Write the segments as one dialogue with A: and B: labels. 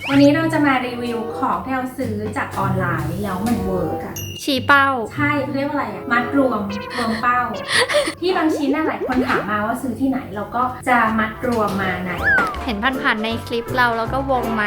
A: วันนี้เราจะมารีวิวของที่เราซื้อจากออนไลน์แล้วมันเวิร์กอะ
B: ชี้เป้า
A: ใช่เขาเรียกว่าอะไรอะมัดรวมเป้า ที่บางชิ้นน่ะหลายคนถามมาว่าซื้อที่ไหนเราก็จะมัดรวมมาใน
B: เห็นผ่านๆในคลิปเราแล้วก็วงมา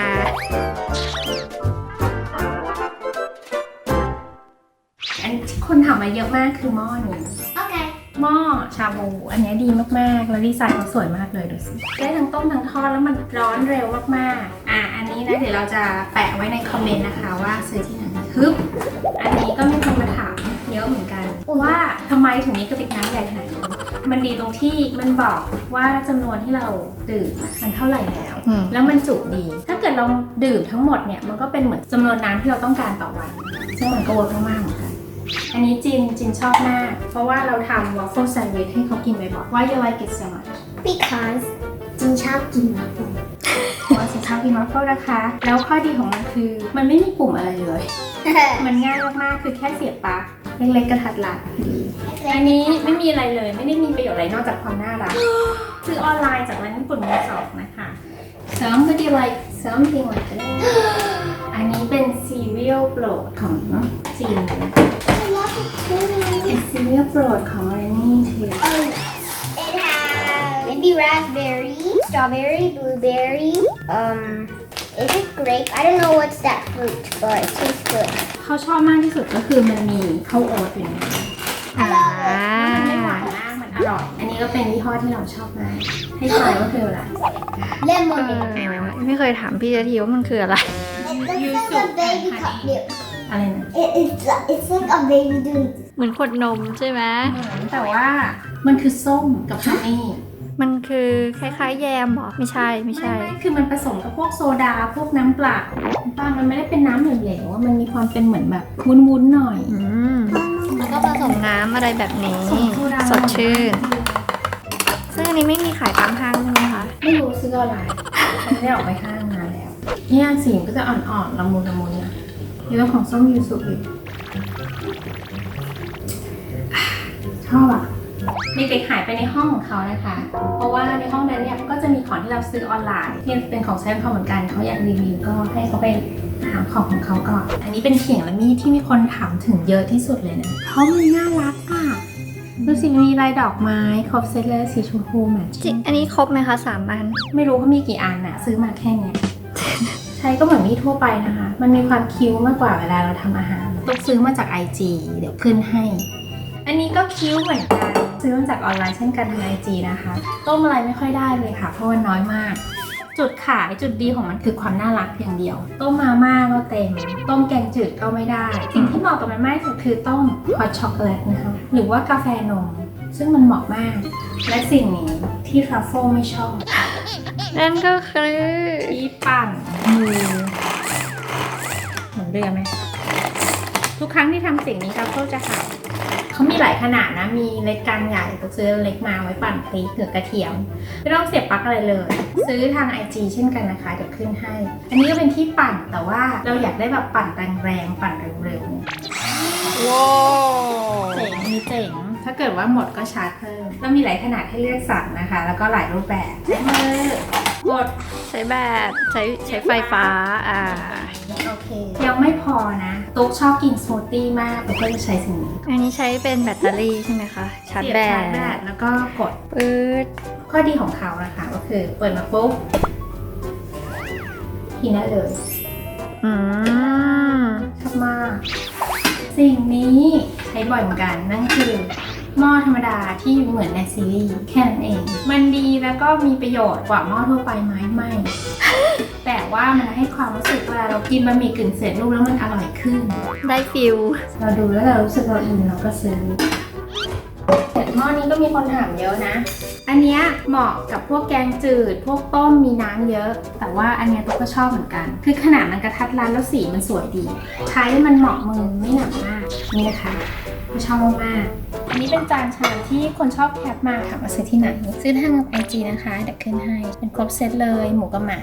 A: อันที่คนถามมาเยอะมากคือหม้อนี้
C: โอเค
A: หม้อชาบูอันนี้ดีมากๆแล้วดีไซน์เขาสวยมากเลยดูสิได้ทั้งต้มทั้งทอดแล้วมันร้อนเร็วมากๆอันนี้นะเดี๋ยวเราจะแปะไว้ในคอมเมนต์นะคะว่าซื้อที่ไหนฮึบอันนี้ก็มีคนมาถามเยอะเหมือนกันว่าทำไมถึงมีกระติกน้ำใหญ่ขนาดนี้มันดีตรงที่มันบอกว่าจำนวนที่เราดื่มมันเท่าไหร่แล้ว แล้วมันจุดี ถ้าเกิดเราดื่มทั้งหมดเนี่ยมันก็เป็นเหมือนจำนวนน้ำที่เราต้องการต่อวันซึ่งมันก็เวิร์กมากๆเหมือนกันอันนี้จินชอบมาก เพราะว่าเราทำ waffle sandwich ให้เขากินบ่อยๆ Why you like it so much
C: because จินชอบกินมากเลย
A: เพราะว่าจินชอบกิน waffle นะคะ แล้วข้อดีของมันคือมันไม่มีปุ่มอะไรเลย มันง่ายมากๆ คือแค่เสียบปลั๊กเล็กๆกระทัดรัดอันนี้ไม่มีอะไรเลย ไม่ได้มีประโยชน์อะไรนอกจากความน่ารัก ซื้อออนไลน์จากร้านญี่ปุ่นมือสองนะคะ Somebody like something like that อันนี้เป็นซีเรียลโปรดของจีน
C: I love it too
A: เป็นซีเรียลโปรดของเรนนี่ที
C: oh it has maybe raspberry strawberry blueberry is it grape I don't know what's that fruit but it tastes good
A: เขาชอบมากที่สุดก็คือมันมีข้าวโอ๊ตอยู่ในนั้น แล้วมันไม่หวานมาก มันอร่อย อันนี้ก็เป็นยี่ห้อที่เราชอบมาก ให้ทายว่าคืออะไร
C: lemonade
B: ไม่เคยถามพี่จะทีว่ามันคืออะไร
C: it looks like a baby cup milk
A: อะไรนะ
C: it's like a baby doing
B: เหมือนขวดนมใช่ไหม
A: แต่ว่ามันคือส้มกับฮันนี่
B: มันคือคล้ายๆแยมเหรอ ไม่ใช่ ไม่ใช่
A: ไม่คือมันผสมกับพวกโซดา พวกน้ำเปล่ามันไม่ได้เป็นน้ำเหลวๆมันมีความเป็นเหมือนแบบวุ้นๆหน่อย
B: แล้วก็ผสมน้ำอะไรแบบนี้
A: โซดา
B: สดชื่น ซึ่งอันนี้ไม่มีขายตามห้างใช่ไหมคะ
A: ไม่รู้ซื้ออะไรมันไม่ได้ออกไปห้างนานแล้ว เนี่ยสีมันก็จะอ่อนๆละมุนละมุนนะนี่เป็นของส้มยูสุอีกชอบอ่ะมีเด็กหายไปในห้องของเขานะคะ เพราะว่าในห้องนั้นเนี่ยก็จะมีของที่เราซื้อออนไลน์ที่เป็นของใช้เขาเหมือนกันเขาอยากรีวิวก็ให้เขาไปหาของเขาก่อน อันนี้เป็นเขียงและมีดที่มีคนถามถึงเยอะที่สุดเลยนะเพราะมันน่ารักอ่ะดูสิมีลายดอกไม้ครบเซตเลยสีชมพูแมทชิ่ง
B: อันนี้ครบไหมคะ3 อัน
A: ไม่รู้เขามีกี่อันน่ะซื้อมาแค่เนี้ย ใช้ก็เหมือนมีดทั่วไปนะคะ มันมีความคิ้วมากกว่าเวลาเราทำอาหารต้องซื้อมาจาก IG เดี๋ยวขึ้นให้ อันนี้ก็คิ้วเหมือนกันซื้อมาจากออนไลน์เช่นกันทาง IG นะคะต้มอะไรไม่ค่อยได้เลยค่ะเพราะมันน้อยมาก จุดขายจุดดีของมันคือความน่ารักอย่างเดียว ต้มมาม่าก็เต็ม ต้มแกงจืดก็ไม่ได้ สิ่งที่เหมาะกับมันมากที่สุดคือต้มฮอตช็อกโกแลตนะคะหรือว่ากาแฟนม ซึ่งมันเหมาะมาก และสิ่งนี้ที่ทรัฟเฟิลไม่ชอบ
B: นั่นก็คือ
A: ที่ปั่นมือเหมือนเรือไหมทุกครั้งที่ทำสิ่งนี้ครับเขาจะหายเขามีหลายขนาดนะ มีเล็กกลางใหญ่ต้องซื้อเล็กมาไว้ปั่นพริกหรือกระเทียมไม่ต้องเสียบปลั๊กอะไรเลย ซื้อทาง IG เช่นกันนะคะเดี๋ยวขึ้นให้ อันนี้ก็เป็นที่ปั่นแต่ว่าเราอยากได้แบบปั่นแรงๆปั่นเร็วๆ
B: ว้าว
A: เจ๋งมีเจ๋งถ้าเกิดว่าหมดก็ชาร์จเพิ่มแล้วมีหลายขนาดให้เลือกสั่งนะคะ แล้วก็หลายรูปแบบใช้มือกด
B: ใช้แบบใช้ไฟฟ้า
A: โอเค ยังไม่พอนะตุ๊กชอบกินสมูทตี้มากตุ๊กก็จะใช้สิ่งนี้
B: อันนี้ใช้เป็นแบตเตอรี่ใช่ไหมคะ ชาร์จ
A: เสียบ
B: แบ
A: ชาร์จแบ
B: ต
A: ตแล้วก็กด
B: ปื๊ด
A: ข้อดีของเขานะคะก็คือเปิดมาปุ๊บกินได้เลย
B: อืม
A: ชอบมาก สิ่งนี้ใช้บ่อยเหมือนกันนั่นคือหม้อธรรมดาที่เหมือนในซีรีส์แค่นั้นเอง มันดีแล้วก็มีประโยชน์กว่าหม้อทั่วไปไหมไม่ แต่ว่ามันให้ความรู้สึกเวลาเรากินบะหมี่กึ่งเสร็จรูปแล้วมันอร่อยขึ้น
B: ได้ฟิล
A: เราดูแล้วเรารู้สึกเราอินเราก็ซื้อแต่หม้อนี้ก็มีคนถามเยอะนะ อันเนี้ยเหมาะกับพวกแกงจืด พวกต้มมีน้ำเยอะ แต่ว่าอันเนี้ยตุ๊กก็ชอบเหมือนกัน คือขนาดมันกระทัดรัดแล้วสีมันสวยดี ใช้มันเหมาะมือไม่หนักมาก นี่นะคะก็ชอบมากๆอันนี้เป็นจานชามที่คนชอบแคปมาถามว่าซื้อที่ไหน ซื้อทาง IG นะคะเดี๋ยวขึ้นให้ เป็นครบเซตเลยหมูกับหมา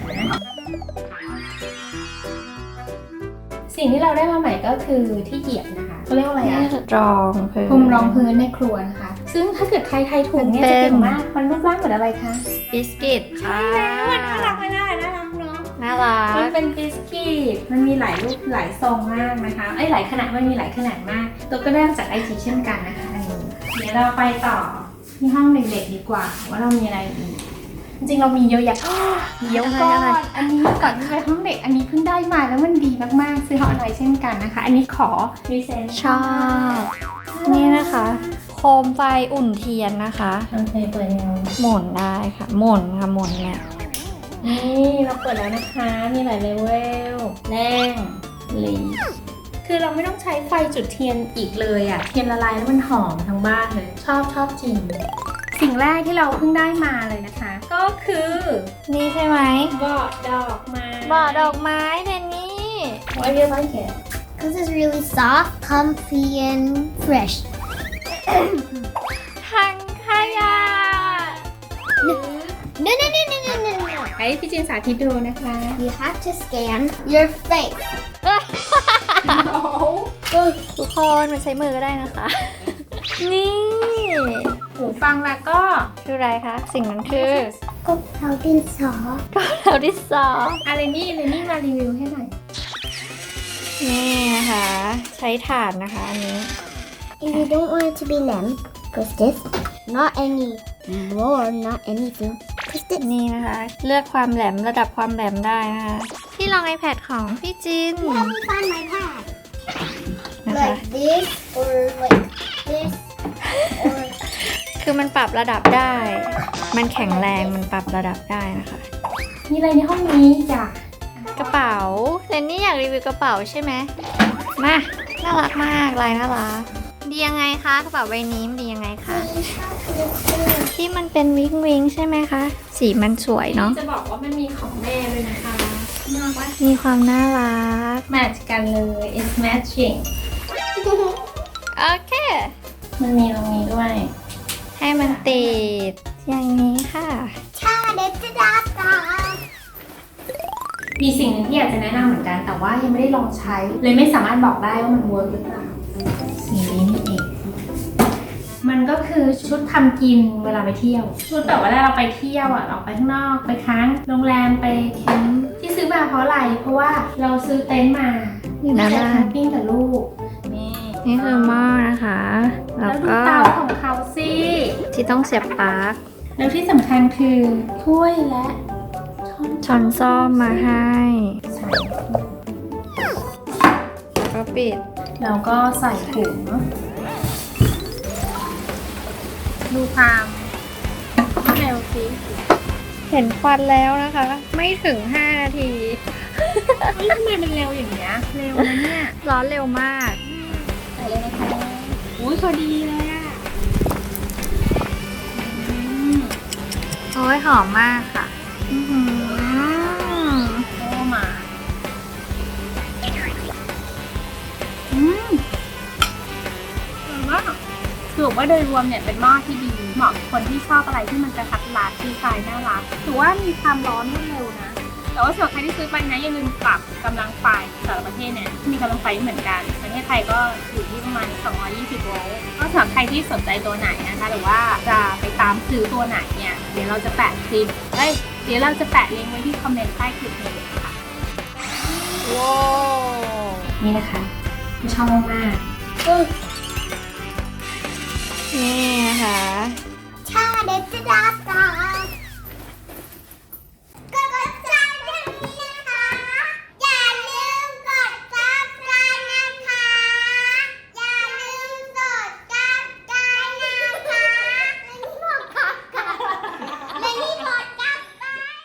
A: สิ่งที่เราได้มาใหม่ก็คือที่เหยียบนะคะเขาเรียกว่าอะไรอะ
B: รองพื้น
A: พรมรองพื้นในครัวนะคะ ซึ่งถ้าเกิดใครไทยถูกเนี่ยจะเก่งมาก มันรูปร่างเหมือนอะไรคะ
B: บิสกิตค่ะ
A: น่ารักไหมล่ะน่ารักเนาะ
B: นน่ารั
A: มัน
B: ก
A: เป็นบิสกิตมันมีหลายรูปหลายทรงมากนะคะหลายขนาดมันมีหลายขนาดมาก ตัวก็ได้มาจากไอทีเช่นกันนะคะอันนี้เดี๋ยวเราไปต่อที่ห้องเด็กๆดีกว่าว่าเรามีอะไรอีกจริงๆเรามีเยอะแยะเดี๋ยวก่อนอันนี้ก่อนที่ไปห้องเด็กอันนี้เพิ่งได้มาแล้วมันดีมากๆซื้อห้องอะไรเช่นกันนะคะ อันนี้ขอรีเซน
B: ชอบนี่นะคะ โคมไฟอุ่นเทียนนะคะ
A: โอเคเปิดยัง
B: หมุนได้ค่ะหมุนค่ะหมุนเนี่ย
A: นี่เราเปิดแล้วนะคะมีหลายเลเวลแรงลีคือเราไม่ต้องใช้ไฟจุดเทียนอีกเลยอะเทียนละลายแล้วมันหอมทั้งบ้านเลยชอบจริงสิ่งแรกที่เราเพิ่งได้มาเลยนะคะ ก็คือ
B: นี่ใช่ไหม
A: เบาะดอกไม้
B: บ่อดอกไม้เพนนี่
A: Why do you like it?
C: Because it's really soft, comfy, and fresh.
B: ถังขยะ
C: No, no, no, no, no, no, no.
A: ให้พี่จินสาธิตดูนะคะ
C: You have to scan your face.
B: ทุกคนมันใช้มือก็ได้นะคะ นี่
A: หูฟังแล้วก็
B: คืออะไรคะ สิ่งนั้นคือ
C: ก็เราดินสอ
B: เราดิซอ
A: อะไรนี่มารีวิวให้หน่อย
B: นี่นะคะ ใช้ถ่านนะคะอันนี้
C: If you don't want it to be lamb, press this. Not any more, not anything. Press this.
B: นี่นะคะ เลือกความแหลมระดับความแหลมได้นะคะที่ลอง iPad ของพี่จิน
C: Let me find my pad.
B: นะคะ
C: Like this or like this or
B: คือมันปรับระดับได้ มันแข็งแรงมันปรับระดับได้นะคะ
A: มีอะไรในห้องนี้จ้ะ
B: กระเป๋าเรนนี่อยากรีวิวกระเป๋าใช่ไหมมา น่ารักมากลายน่ารักดียังไงคะกระเป๋าใบนี้มันดียังไงคะ ที่มันเป็นวิงวิงใช่ไหมคะ สีมันสวยเนาะ
A: จะบอกว่ามันมีของแม่ด้วยนะคะน่ารัก
B: มีความน่ารัก
A: แมทช์กันเลย it's matching
B: โอเค
A: มันมีตรงนี้ด้วย
B: ให้มันติด อย่างนี้ค่ะ
A: มีสิ่งหนึ่งที่อยากจะแนะนำเหมือนกัน แต่ว่ายังไม่ได้ลองใช้ เลยไม่สามารถบอกได้ว่ามันเวิร์กหรือเปล่าสีนี้นี่เอง มันก็คือชุดทำกินเวลาไปเที่ยว ชุดแบบว่าเราไปเที่ยวอ่ะออกไปข้างนอกไปค้างโรงแรมไปแคมป์ที่ซื้อมาเพราะอะไร เพราะว่าเราซื้อเต็นท์มา
B: อยู่หน้าบ้าน
A: แคมปิ้งกับลูกนี่
B: นี่คือหม้อนะคะ
A: แล้
B: แล้ว ว
A: ดู
B: ก็
A: เตาของเขาสิ
B: ที่ต้องเสียบปลั๊ก
A: แล้วที่สำคัญคือถ้วยและช้อน
B: ช้อนซ่อมมาให้
A: ใส่
B: แล้วก็ปิด
A: แล้วก็ใส่ถุงดูความเร็วสิ
B: เห็นควันแล้วนะคะ ไม่ถึง 5 นาที
A: เฮ้ยทำไมมันเร็วอย่างเงี้ยเร็วนะเนี่ย
B: ร้อนเร็วมาก
A: ใส่เลยนะคะอุ้ยพอดีเลยอ่ะ
B: โอ้ยหอมมากค่ะอื้อหือ
A: โอ้มาแต่ว่าถือว่าโดยรวมเนี่ยเป็นหม้อที่ดีเหมาะกับคนที่ชอบอะไรที่มันกระทัดรัดดีไซน์น่ารักถือว่ามีความร้อนรวดเร็วนะ แต่ว่าสำหรับใครที่ซื้อไปนะอย่าลืมปรับกำลังไฟแต่ละประเทศเนี่ยมีกำลังไฟไม่เหมือนกัน ประเทศไทยก็อยู่ที่ประมาณ220 โวลต์ก็สำหรับใครที่สนใจตัวไหนนะคะหรือว่าจะไปตามซื้อตัวไหนเนี่ยเดี๋ยวเราจะแปะคลิปเดี๋ยวเราจะแปะลิงก์ไว้ที่คอมเมนต์ใต้คลิปนี้ค่ะ
B: ว้าว
A: นี่นะคะชอบมาก
B: นี่นะคะ
C: Ta-da-da-da-da.